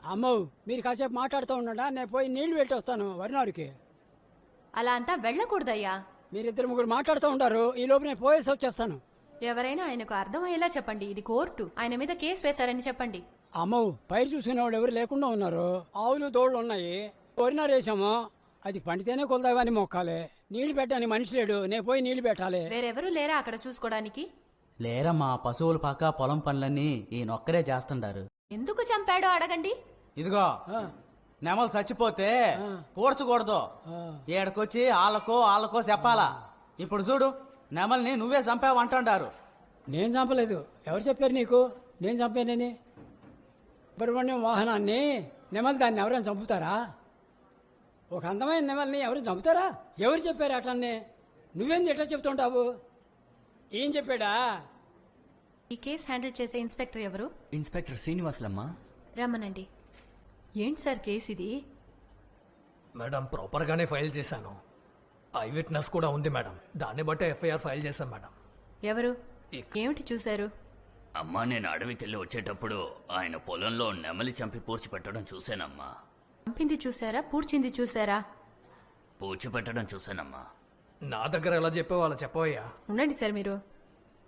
అమ్మో మీరు కాసేపు మాట్లాడుతూ ఉండడా నేను పోయి నీళ్లు పెట్టి వస్తాను వరినారుకి. అలా అంతా వెళ్ళకూడదయ్యా. మీరిద్దరు ముగ్గురు మాట్లాడుతూ ఉంటారు, ఈ లోపు నేను పోయేసి వచ్చేస్తాను. ఎవరైనా ఆయనకు అర్థమయ్యేలా చెప్పండి, ఇది కోర్టు, ఆయన మీద కేసు వేశారని చెప్పండి. అమ్మో పైరు చూసుకునేవాడు ఎవరు లేకుండా ఉన్నారు. ఆవులు దోళ్ళు ఉన్నాయి, వరినారు వేసాము, అది పండితేనే కొలదావని మొక్కాలి. నీళ్లు పెట్టాని మనిషి లేడు, నేను పోయి నీళ్లు పెట్టాలి. వేరెవరూ లేరా అక్కడ చూసుకోవడానికి? లేరమ్మా, పశువులు పాక పొలం పనులన్నీ ఈయనొక్కరే చేస్తుండారు. ఎందుకు చంపాడో అడగండి. ఇదిగో నెమలు చచ్చిపోతే కూర్చకూడదు, ఏడకొచ్చి ఆళ్ళకో చెప్పాలా. ఇప్పుడు చూడు, నెమల్ని నువ్వే చంపావు అంటుండారు. నేను చంపలేదు. ఎవరు చెప్పారు నీకు నేను చంపానని? సుబ్రహ్మణ్యం వాహనాన్ని నెమలి దాన్ని ఎవరైనా చంపుతారా? ఒక అందమైన నెమల్ని ఎవరు చంపుతారా? ఎవరు చెప్పారు అట్లనే? నువ్వేంది ఎట్లా చెప్తుంటావు? ఏం చెప్పాడా? ఈ కేసు హ్యాండిల్ చేసే ఇన్స్పెక్టర్ ఎవరు? ఇన్స్పెక్టర్ శ్రీనివాసులమ్మా. రమ్మనండి. ఏంటి సార్ కేసు ఇది? మేడం ప్రాపర్గానే ఫైల్ చేశాను. ఐ విట్నెస్ కూడా ఉంది మేడం, దాన్ని బట్టి ఎఫ్ఐఆర్ ఫైల్ చేశాం మేడం. ఎవరు? ఏమిటి చూశారు? అమ్మా, నేను అడవికెళ్ళి వచ్చేటప్పుడు ఆయన పొలంలో నెమలి చంపి పూడ్చిపెట్టడం చూశానమ్మా. చంపింది చూసారా, పూడ్చింది చూసారా? పూడ్చిపెట్టడం చూశానమ్మా. నా దగ్గర ఎలా చెప్పావు అలా చెప్పవయ్యా. ఉండండి సార్, మీరు